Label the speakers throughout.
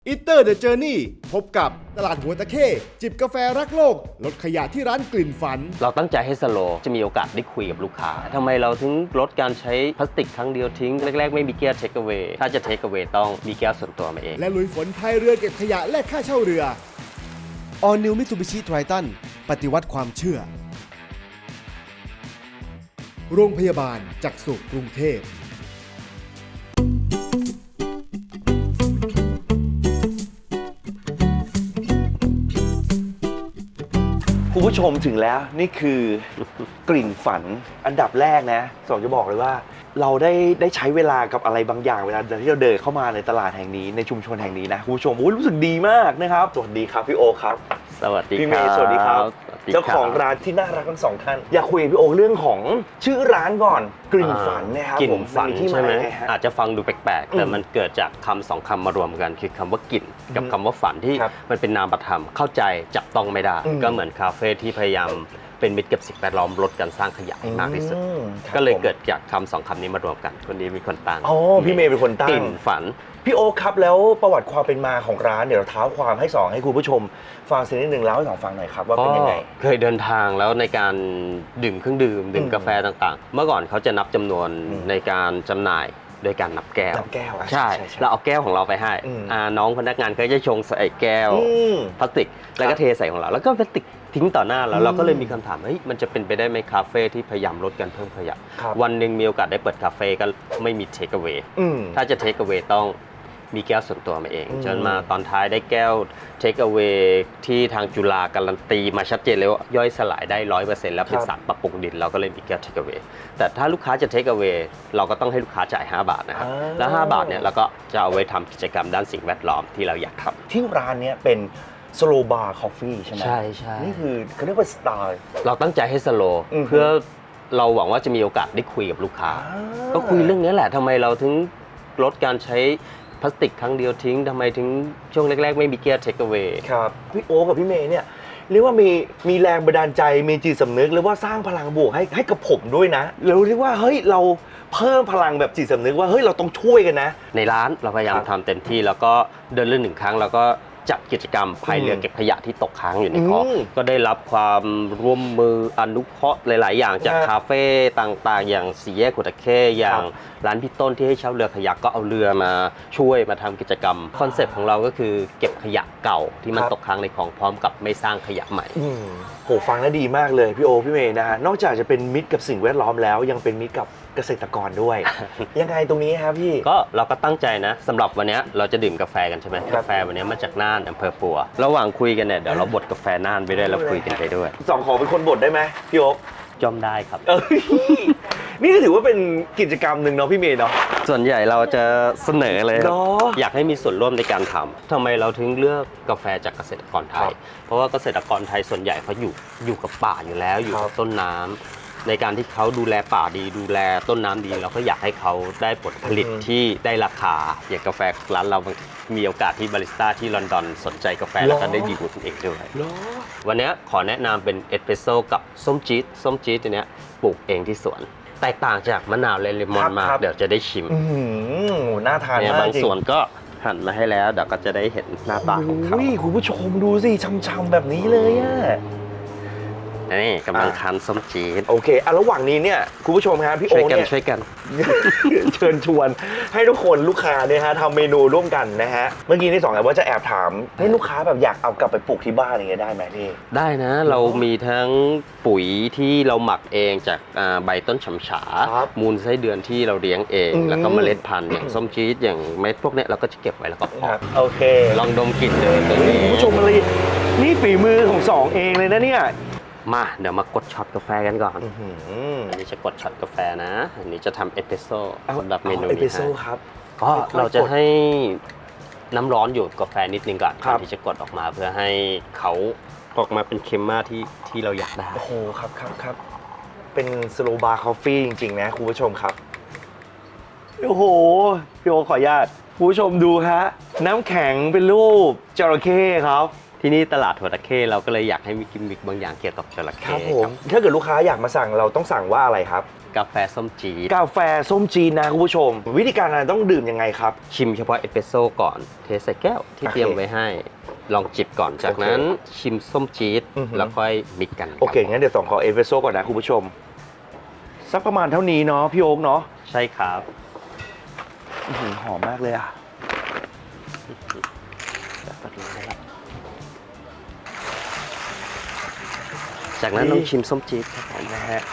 Speaker 1: อิตเตอร์เดอะเจอร์นี่พบกับตลาดหัวตะเข้จิบกาแฟรักโลกลดขยะที่ร้านกลิ่นฝัน
Speaker 2: เราตั้งใจให้สโลว์จะมีโอกาสได้คุยกับลูกค้าทำไมเราถึงลดการใช้พลาสติกครั้งเดียวทิ้งแรกๆไม่มีแก้วเทคเอา a y ถ้าจะเทคเอา a y ต้องมีแก้วส่วนตัวมาเอง
Speaker 1: และลุยฝนพายเรือเก็บขยะและค่าเช่าเรือ All New Mitsubishi Triton ปฏิวัติความเชื่อโรงพยาบาลจักษุกรุงเทพ
Speaker 3: คุณผู้ชมถึงแล้วนี่คือกลิ่นฝันอันดับแรกนะสองจะบอกเลยว่าเราได้ใช้เวลากับอะไรบางอย่างเวลาที่เราเดินเข้ามาในตลาดแห่งนี้ในชุมชนแห่งนี้นะคุณผู้ชมรู้สึกดีมากนะครับสวัสดีครับพี่โอครับ
Speaker 2: สวัสดีครับ
Speaker 3: พี่เมย์สวัสดีครับเจ้าของร้านที่น่ารักทั้งสองท่านอยากคุยกับพี่โอเรื่องของชื่อร้านก่อนกลิ่นฝันนะครับ
Speaker 2: กลิ่นฝันใช่ไหม
Speaker 3: ฮะ
Speaker 2: อาจจะฟังดูแปลกๆแต่มันเกิดจากคำสองคำมารวมกันคือคำว่ากลิ่นกับคำว่าฝันที่มันเป็นนามธรรมเข้าใจจับต้องไม่ได้ก็เหมือนคาเฟ่ที่พยายามเป็นมิตรกับสิ่งแวดล้อมลดการสร้างขยะให้มากที่สุดก็เลยเกิดจากคำสองคำนี้มารวมกันคนนี้มีคนตั้ง
Speaker 3: อ๋อพี่เมย์เป็นคนตั้ง
Speaker 2: กลิ่นฝัน
Speaker 3: พี่โอ๊คครับแล้วประวัติความเป็นมาของร้านเดี๋ยวเราเท้าความให้สองให้คุณผู้ชมฟังสักนิดหนึ่งแล้วให้สองฟังหน่อยครับว่าเป็นยังไง
Speaker 2: เคยเดินทางแล้วในการดื่มเครื่องดื่มกาแฟต่างๆเมื่อก่อนเขาจะนับจำนวนในการจำหน่ายโดยการนับแก้วใช่เราเอาแก้วของเราไปให้น้องพนักงานก็จะชงใส่แก้วพลาสติกแล้วก็เทใส่ของเราแล้วก็พลาสติกทิ้งต่อหน้าเราก็เลยมีคำถามเฮ้ยมันจะเป็นไปได้ไหมคาเฟ่ที่พยายามลดการเพิ่มขยะวันหนึ่งมีโอกาสได้เปิดคาเฟ่ก็ไม่มีเทคเอา a y ถ้าจะเทคเอา a y ต้องมีแก้วส่วนตัวมาเองจนมาตอนท้ายได้แก้วเทคเอา a y ที่ทางจุฬาการันตีมาชัดเจนเลยว่าย่อยสลายได้ 100% แล้วเป็นสารปรับปรุงดินเราก็เลยมีแก้วเทคเอา a y แต่ถ้าลูกค้าจะเทคเอา a y เราก็ต้องให้ลูกค้าจ่าย5 บาทนะครับแล้ว5 บาทเนี่ยเราก็จะเอาไว้ทำกิจกรรมด้านสิ่งแวดล้อมที่เราอยากทำ
Speaker 3: ที่ร้านนี้เป็นสโลบาร์คอฟฟี่ใช่ไหม
Speaker 2: ใช่ใช่
Speaker 3: นี่คือเขาเรียกว่าสไตล์
Speaker 2: เราตั้งใจให้สโลว์เพื่อเราหวังว่าจะมีโอกาสได้คุยกับลูกค้าก็คุยเรื่องนี้แหละทำไมเราถึงลดการใช้พลาสติกครั้งเดียวทิ้งทำไมถึงช่วงแรกๆไม่มีแก้วเทคเอา a y
Speaker 3: ครับพี่โอ๊คกับพี่เมย์เนี่ยเรียกว่ามีแรงบันดาลใจมีจิตสำนึกหรือว่าสร้างพลังบวกให้กับผมด้วยนะเราเรียกว่าเฮ้ยเราเพิ่มพลังแบบจิตสำนึกว่าเฮ้ยเราต้องช่วยกันนะ
Speaker 2: ในร้านเราพยายามทำเต็มที่แล้วก็เดินเล่น1 ครั้งแล้วก็จัดกิจกรรมพายเรือเก็บขยะที่ตกค้างอยู่ในคลองก็ได้รับความร่วมมืออนุเคราะห์หลายๆอย่างจากคาเฟ่ต่างๆอย่างสี่แยกหัวตะเข้อย่างร้านพี่ต้นที่ให้เช่าเรือขยะก็เอาเรือมาช่วยมาทำกิจกรรมคอนเซ็ปต์ของเราก็คือเก็บขยะเก่าที่มันตกค้างในคลองพร้อมกับไม่สร้างขยะใหม่
Speaker 3: โหฟังแล้วดีมากเลยพี่โอพี่เมย์นะฮะนอกจากจะเป็นมิตรกับสิ่งแวดล้อมแล้วยังเป็นมิตรกับเกษตรกรด้วย ยังไงตรงนี้ครับพี่
Speaker 2: ก็เราก็ตั้งใจนะสำหรับวันนี้เราจะดื่มกาแฟกันใช่ไหมกาแฟวันนี้มาจากน่านอำเภอปัวระหว่างคุยกันเนี่ยเดี๋ยวเราบดกาแฟน่านไปด้วยแล้วคุยกันไปด้วย
Speaker 3: สองขอเป็นคนบดได้ไหมพี่โอ๊ค
Speaker 2: จอมได้ครับ
Speaker 3: นี่ก็ถือว่าเป็นกิจกรรมหนึ่งเนาะพี่เมย์เนาะ
Speaker 2: ส่วนใหญ่เราจะเสนอเลยอยากให้มีส่วนร่วมในการทำไมเราถึงเลือกกาแฟจากเกษตรกรไทยเพราะว่าเกษตรกรไทยส่วนใหญ่เขาอยู่กับป่าอยู่แล้วอยู่กับต้นน้ำในการที่เขาดูแลป่าดีดูแลต้นน้ำดีเราก็อยากให้เขาได้ผลผลิตที่ได้ราคาอย่างกาแฟร้านเรามีโอกาสที่บาริสต้าที่ลอนดอนสนใจกาแฟแล้วก็ได้ดีลเองด้วยวันนี้ขอแนะนำเป็นเอสเปรสโซ่กับส้มจี๊ดตัวนี้ปลูกเองที่สวนแตกต่างจากมะนาวและเลมอนมากเดี๋ยวจะได้ชิม
Speaker 3: น่าทานมาก
Speaker 2: บางส่วนก็หั่นมาให้แล้วเดี๋ยวก็จะได้เห็นหน้าตาของเขา
Speaker 3: คุณผู้ชมดูสิช่ำๆแบบนี้เลยอ่ะ
Speaker 2: นี่กำลังคั้นส้มจี๊ด
Speaker 3: โอเคระหว่างนี้เนี่ยคุณผู้ชมครับพี่โอ๊คเนี่ย
Speaker 2: ช่วยกัน
Speaker 3: เชิญชวนให้ทุกคนลูกค้าเนี่ยฮะทำเมนูร่วมกันนะฮะเมื่อกี้ที่สองว่าจะแอบถามให้ลูกค้าแบบอยากเอากลับไปปลูกที่บ้านอย่างเงี้ยได้ไหมพี่
Speaker 2: ได้นะเรามีทั้งปุ๋ยที่เราหมักเองจากใบต้นฉำฉามูลไส้เดือนที่เราเลี้ยงเองแล้วก็เมล็ดพันธุ์อย่างส้มจี๊ดอย่างเม็ดพวกนี้เราก็จะเก็บไว้แล้วก็เพาะ
Speaker 3: โอเค
Speaker 2: ลองดมกลิ่นเลยตัวนี้
Speaker 3: คุณผู้ชมอะไรนี่ฝีมือของสองเองเลยนะเนี่ย
Speaker 2: มาเดี๋ยวมากดช็อตกาแฟกันก่อนอันนี้จะกดช็อตกาแฟนะอันนี้จะทำเอสเปรสโซ่สำหรับเมนูนี้
Speaker 3: ครับ
Speaker 2: ก็เราจะให้น้ำร้อนอยู่กาแฟนิดนึงก่อนที่จะกดออกมาเพื่อให้เขาออกมาเป็นเคมม่าที่เราอยากได้
Speaker 3: โอ้โหครับเป็นสโลบาร์คอฟฟี่จริงๆนะคุณผู้ชมครับโอ้โหพี่โอขออนุญาตคุณผู้ชมดูฮะน้ำแข็งเป็นรูปจระเข้ครับ
Speaker 2: ที่นี่ตลาดหัวตะเข้เราก็เลยอยากให้มีกิมมิคบางอย่างเกี่ยวกับจระเข้
Speaker 3: ครับผมถ้าเกิดลูกค้าอยากมาสั่งเราต้องสั่งว่าอะไรครับ
Speaker 2: กาแฟส้มจี๊ด
Speaker 3: กาแฟส้มจีนนะคุณผู้ชม วิธีการอะไรต้องดื่มยังไงครับ
Speaker 2: ชิมเฉพาะเอสเปรสโซ่ก่อนเทใส่แก้วที่เตรียมไว้ให้ลองจิบก่อนจากนั้นชิมส้มจี๊ดแล้วค่อยมิกกัน
Speaker 3: โอเคงั้นเดี๋ยวขอเอสเปรสโซ่ก่อนนะคุณผู้ชมสักประมาณเท่านี้เนาะพี่โอ๊คเนาะ
Speaker 2: ใช่ครับ
Speaker 3: หอมมากเลยอ่ะ
Speaker 2: จากนั้นลองชิมส้มจี๊ดครับผม
Speaker 3: นะฮะ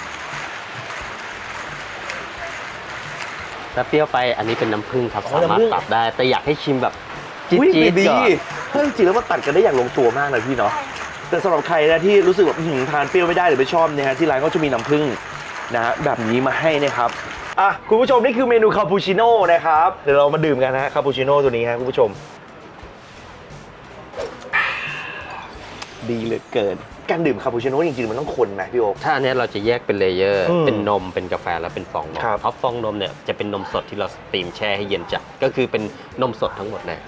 Speaker 2: ถ้าเปรี้ยวไปอันนี้เป็นน้ำผึ้งครับ
Speaker 3: อ๋อ
Speaker 2: สามารถ
Speaker 3: น้ำผึ้ง
Speaker 2: ปรับได้แต่อยากให้ชิมแบบจี๊
Speaker 3: อุ๊ย
Speaker 2: ด
Speaker 3: ดี
Speaker 2: ๆก่อน
Speaker 3: เฮ้ยจริงๆแล้วมันตัดกันได้อย่างลงตัวมากเลยพี่เนาะแต่สำหรับใครนะที่รู้สึกแบบทานเปรี้ยวไม่ได้หรือไม่ชอบเนี่ยฮะที่ร้านก็จะมีน้ำผึ้งนะฮะแบบนี้มาให้นะครับอ่ะคุณผู้ชมนี่คือเมนูคาปูชิโน่นะครับเดี๋ยวเรามาดื่มกันนะคาปูชิโน่ตัวนี้ฮะคุณผู้ชมดีเหลือเกินการดื่มคาปูชิโน่จริงๆมันต้องคนนะพี่โอ๊ค
Speaker 2: ถ้าอันเนี้ยเราจะแยกเป็นเลเยอร์
Speaker 3: อืม
Speaker 2: เป็นนมเป็นกาแฟแล้วเป็นฟองนม
Speaker 3: ครับ
Speaker 2: เพราะฟองนมเนี่ยจะเป็นนมสดที่เราสตรีมแช่ให้เย็นจัดก็คือเป็นนมสดทั้งหมดเลย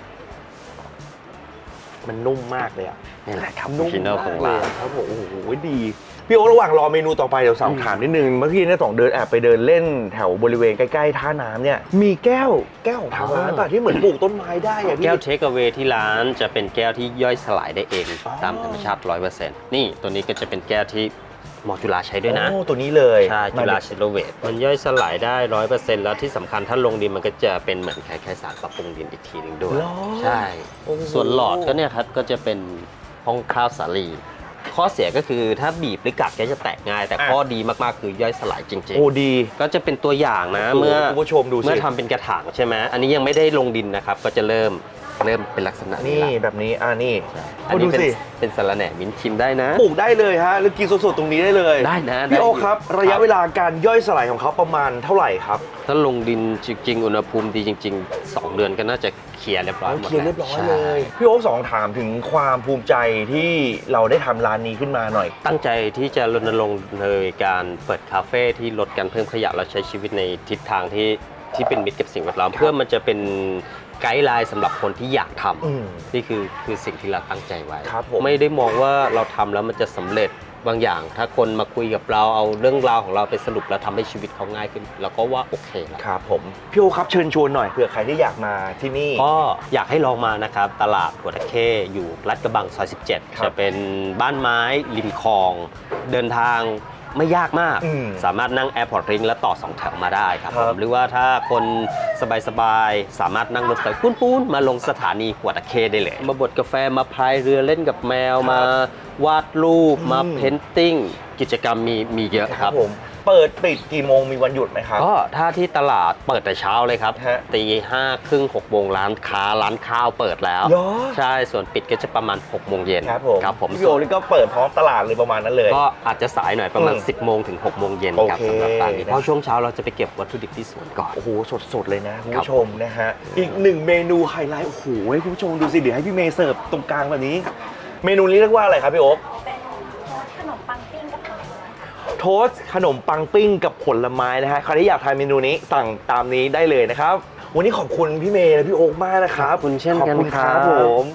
Speaker 3: มันนุ่มมากเลยอ่ะ
Speaker 2: นี่แหละครับ
Speaker 3: นุ่ม
Speaker 2: ชิโน่
Speaker 3: มาก
Speaker 2: ของ
Speaker 3: เล
Speaker 2: เรา
Speaker 3: ยครับผมโอ้โหดีพี่โอ๊คระหว่างรอเมนูต่อไปเดี๋ยวสอบถามนิดนึงเมื่อกี้เนี่ย2เดินแอบไปเดินเล่นแถวบริเวณใกล้ๆท่าน้ำเนี่ยมีแก้วของทางร้านป่ะที่เหมือนปลูกต้นไม้ได้อะพี่
Speaker 2: แก้วเทคเอา a y ที่ร้านจะเป็นแก้วที่ย่อยสลายได้เอง
Speaker 3: อ๋อ
Speaker 2: ตามธรรมชาติ 100%นี่ตัวนี้ก็จะเป็นแก้วที่หมอจุฬาใช้ด้วยนะ
Speaker 3: โอ้ตัวนี้เลย
Speaker 2: ใช่จุฬาเชลโลเวตมันย่อยสลายได้ 100%แล้วที่สำคัญถ้าลงดินมันก็จะเป็นเหมือนคล้ายๆสารปรับปรุงดินอีกทีหนึงด้วย
Speaker 3: เหรอ
Speaker 2: ใช่
Speaker 3: โอ้โห
Speaker 2: ส่วนหลอดก็เนี่ยครับก็จะเป็นห้องข้าวสาลี ข้อเสียก็คือถ้าบีบหรือกัดก็จะแตกง่าย แต่ข้อดีมากๆคือย่อยสลายจริง
Speaker 3: โอ้ดี
Speaker 2: ๆ ก็จะเป็นตัวอย่างนะ
Speaker 3: โอ้โห
Speaker 2: เมื่อ
Speaker 3: คุณผู้ชมดูสิ
Speaker 2: เมื่อทำเป็นกระถางใช่ไหมอันนี้ยังไม่ได้ลงดินนะครับ ก็จะเริ่มเป็นลักษณะนี้
Speaker 3: นี่
Speaker 2: ละ
Speaker 3: แบบนี้นี่
Speaker 2: อัน
Speaker 3: ดู
Speaker 2: นี้เป็น
Speaker 3: สิ
Speaker 2: เป็นสาระแหน่มิ้นท์ชิมได้นะ
Speaker 3: ปลูกได้เลยฮะหรือกินสดๆตรงนี้ได้เลย
Speaker 2: ได้นะได้
Speaker 3: พี่โอ๊คครับ
Speaker 2: อยู่
Speaker 3: ระยะเวลาการย่อยสลายของเขาประมาณเท่าไหร่ครับ
Speaker 2: ถ้าลงดินจริงๆอุณหภูมิดีจริง ๆ 2 เดือนก็น่าจะเคลียร์เรียบร้อยหมด
Speaker 3: เคลียร์เรียบร้อย
Speaker 2: ใช่
Speaker 3: เลยพี่โอ๊คสองถามถึงความภูมิใจที่เราได้ทำร้านนี้ขึ้นมาหน่อย
Speaker 2: ตั้งใจที่จะรณรงค์ในการเปิดคาเฟ่ที่ลดการเพิ่มขยะและใช้ชีวิตในทิศทางที่เป็นมิตรกับสิ่งแวดล้อมเพื่อมันจะเป็นไกด์ไลน์สำหรับคนที่อยากทำนี่คือสิ่งที่เราตั้งใจไว้
Speaker 3: ครับผม
Speaker 2: ไม่ได้มองว่าเราทำแล้วมันจะสำเร็จบางอย่าง ถ้าคนมาคุยกับเราเอาเรื่องราวของเราไปสรุปแล้วทำให้ชีวิตเขาง่ายขึ้นเราก็ว่าโอเคแล้ว
Speaker 3: ครับผมพี่โอ๊คครับเชิญชวนหน่อยเผื่อใครที่อยากมาที่นี่
Speaker 2: ก็อยากให้ลองมานะครับตลาดหัวตะเข้อยู่ลาดกระบังซอย 17
Speaker 3: ครับ
Speaker 2: จะเป็นบ้านไม้ริมคลอง เดินทางไม่ยากมาก
Speaker 3: อืม
Speaker 2: สามารถนั่ง Airport Ring แล้วต่อ 2 แถวมาได้ครับ
Speaker 3: ครับ
Speaker 2: ผมหรือว่าถ้าคนสบายๆ สามารถนั่งรถไฟปุ้นๆ มาลงสถานีหัวตะเข้ได้เลย มาบดกาแฟมาพายเรือเล่นกับแมว
Speaker 3: ครับ
Speaker 2: มาวาดรูปมาเพนติ้งกิจกรรมมีเยอะครับ
Speaker 3: ผมเปิดปิดกี่โมงมีวันหยุดไหมครับ
Speaker 2: ก็ถ้าที่ตลาดเปิดแต่เช้าเลยครับ
Speaker 3: ฮะ
Speaker 2: ตี 5:30 6 โมงร้านค้าร้านข้าวเปิดแล้ว
Speaker 3: เหรอ
Speaker 2: ใช่ส่วนปิดก็จะประมาณ 6 โมงเย็น
Speaker 3: ครับผมพี่
Speaker 2: ส่
Speaker 3: โอ๊
Speaker 2: ว
Speaker 3: คน นี่ก็เปิดพร้อมตลาดเลยประมาณนั้นเลย
Speaker 2: ก็อาจจะสายหน่อยประมาณ 10 โมงถึง 6 โมงเย็นครับ
Speaker 3: โอเค
Speaker 2: สำหรับร้านนี้เพราะช่วงเช้าเราจะไปเก็บวัตถุดิบที่สวนก่อน
Speaker 3: โอ้โหสดๆเลยนะคุณ
Speaker 2: ครับ
Speaker 3: ผู้ชมนะฮะอีกหนึ่งเมนูไฮไลท์โอ้โหให้คุณผู้ชมดูสิเดี๋ยวให้พี่เมย์เสิร์ฟตรงกลางแบบนี้ เมนูนี้เรียกว่าอะไรครับพี่โอ๊ค
Speaker 4: ขนมปังปิ้งกับผลไม้
Speaker 3: โทสต์ขนมปังปิ้งกับผลไม้นะฮะใครที่อยากทานเมนูนี้สั่งตามนี้ได้เลยนะครับวันนี้ขอบคุณพี่เมย์และพี่โอ๊คมากนะครับ
Speaker 2: ขอบคุณเช่นกัน
Speaker 3: ขอบคุณครับ
Speaker 2: ครับ
Speaker 3: ผม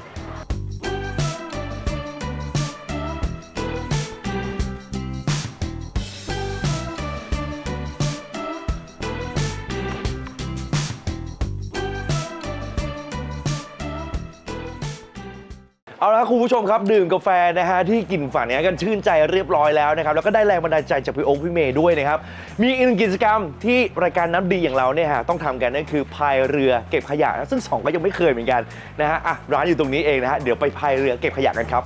Speaker 3: เอาละคุณผู้ชมครับดื่มกาแฟนะฮะที่กลิ่นฝันเนี้ยกันชื่นใจเรียบร้อยแล้วนะครับแล้วก็ได้แรงบันดาลใจจากพี่โอ๊คพี่เมย์ด้วยนะครับมีอีกหนึ่งกิจกรรมที่รายการน้ำดีอย่างเราเนี่ยฮะต้องทำกันนั่นคือพายเรือเก็บขยะนะซึ่งสองก็ยังไม่เคยเหมือนกันนะฮะอ่ะร้านอยู่ตรงนี้เองนะฮะเดี๋ยวไปพายเรือเก็บขยะกันครับ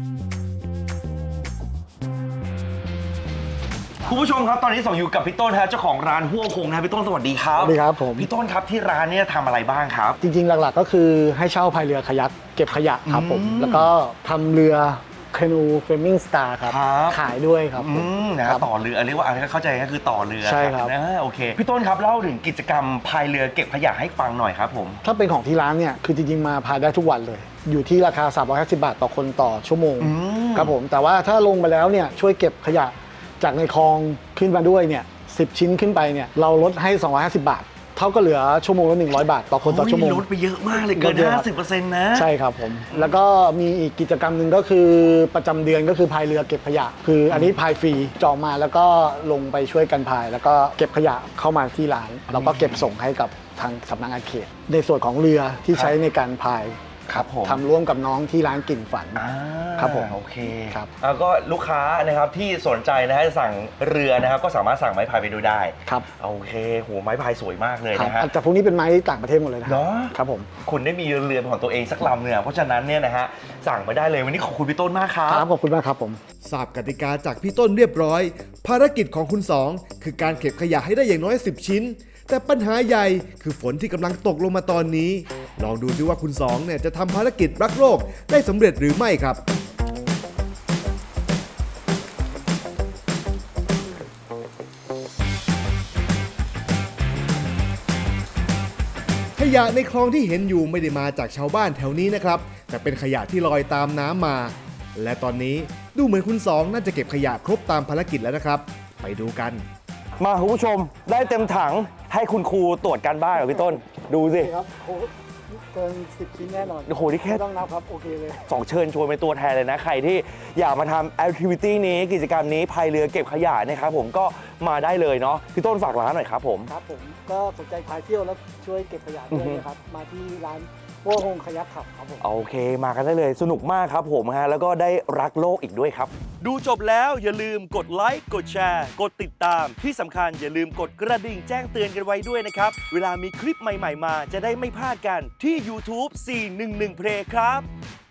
Speaker 3: คุณผู้ชมครับตอนนี้ส่งอยู่กับพี่ต้นฮะเจ้าของร้านหัวคงนะพี่ต้นสวัสดีครับ
Speaker 5: สวัสดีครับผม
Speaker 3: พี่ต้นครับที่ร้านเนี่ยทำอะไรบ้างครับ
Speaker 5: จริงๆ หลักๆ ก็คือให้เช่าพายเรือคายักเก็บขยะครับผม
Speaker 3: อืม
Speaker 5: แล้วก็ทำเรือคานูเฟรมมิ่งสตาร์ครับ
Speaker 3: ครับ
Speaker 5: ขายด้วยครับผม
Speaker 3: นะ
Speaker 5: ค
Speaker 3: ฮะ
Speaker 5: รับ
Speaker 3: ต่อเรือเรียกว่าอะไรก็เข้าใจก็คือต่อเรือ
Speaker 5: ใช่ครับ
Speaker 3: นะโอเคพี่ต้นครับเล่าถึงกิจกรรมพายเรือเก็บขยะให้ฟังหน่อยครับผม
Speaker 5: ถ้าเป็นของที่ร้านเนี่ยคือจริงๆ มาพายได้ทุกวันเลย อยู่ที่ราคา 350 บาทต่อคนต่อชั่วโมง ครับผมแต่ว่าถ้าลงไปแล้วเนี่ยช่วยเก็บขยะจากในคลองขึ้นมาด้วยเนี่ย10 ชิ้นขึ้นไปเนี่ยเราลดให้ 250 บาทเท่ากับเหลือชั่วโมงละ100 บาทต่อคนต่อชั่วโมง
Speaker 3: ลดไปเยอะมากเลยเกิน
Speaker 5: ลดเยอะครับ
Speaker 3: 50%นะ
Speaker 5: ใช่ครับผม แล้วก็มีอีกกิจกรรมหนึ่งก็คือประจำเดือนก็คือพายเรือเก็บขยะ คืออันนี้พายฟรีจองมาแล้วก็ลงไปช่วยกันพาย แล้วก็เก็บขยะเข้ามาที่ร้านแล้วก็เก็บส่งให้กับทางสำนักงานเขต ในส่วนของเรือที่ใช้ในการพาย
Speaker 3: ครับผม
Speaker 5: ทำร่วมกับน้องที่ร้านกลิ่นฝัน ครับผม
Speaker 3: โอเค
Speaker 5: ครับ
Speaker 3: แล้วก็ลูกค้านะครับที่สนใจนะฮะจะสั่งเรือนะครับก็สามารถสั่งไม้พายไปดูได้
Speaker 5: ครับ
Speaker 3: โอเคโหไม้พายสวยมากเลย
Speaker 5: ครับ
Speaker 3: นะฮะ
Speaker 5: แต่พวกนี้เป็นไม้ต่างประเทศหมดเลยนะ
Speaker 3: เนาะ
Speaker 5: ครับผม
Speaker 3: คุณได้มีเรือเป็นของตัวเองสักลำเนี่ยเพราะฉะนั้นเนี่ยนะฮะสั่งมาได้เลยวันนี้ขอบคุณพี่ต้นมากครับ
Speaker 5: ครับขอบคุณมากครับผม
Speaker 1: ทราบกติกาจากพี่ต้นเรียบร้อย ภารกิจของคุณสองคือการเก็บขยะให้ได้อย่างน้อย 10 ชิ้น แต่ปัญหาใหญ่คือฝนที่กำลังตกลงมาตอนนี้ ลองดูซิว่าคุณสองเนี่ยจะทำภารกิจรักโลกได้สำเร็จหรือไม่ครับ ขยะในคลองที่เห็นอยู่ไม่ได้มาจากชาวบ้านแถวนี้นะครับ แต่เป็นขยะที่ลอยตามน้ำมา และตอนนี้ดูเหมือนคุณสองน่าจะเก็บขยะครบตามภารกิจแล้วนะครับ ไปดูกัน
Speaker 3: มาคุณผู้ชมได้เต็มถังให้คุณครูตรวจการบ้านกับพี่ต้น ดูสิ
Speaker 5: ครับโอ้เกิน10 ชิ้นแน่นอน
Speaker 3: โอ้โหนี่แค่
Speaker 5: ไม่ต้องนับครับ โอเคเลย
Speaker 3: สองเชิญชวนเป็นตัวแทนเลยนะ ใครที่อยากมาทำแอคทิวิตี้นี้กิจกรรมนี้พายเรือเก็บขยะนะครับผมก็มาได้เลยเนาะพี่ต้นฝากร้านหน่อยครับผม
Speaker 5: ครับผมก็สนใจพายเที่ยวแล้วช่วยเก็บขยะด้วยนะครับ มาที่ร้านวัวหงขยักขับครับผม
Speaker 3: โอเคมากันได้เลยสนุกมากครับผมฮะแล้วก็ได้รักโลกอีกด้วยครับ
Speaker 6: ดูจบแล้วอย่าลืมกดไลค์ กดแชร์ กดติดตาม ที่สำคัญอย่าลืมกดกระดิ่งแจ้งเตือนกันไว้ด้วยนะครับ เวลามีคลิปใหม่ๆมาจะได้ไม่พลาดกันที่ YouTube 411 Play ครับ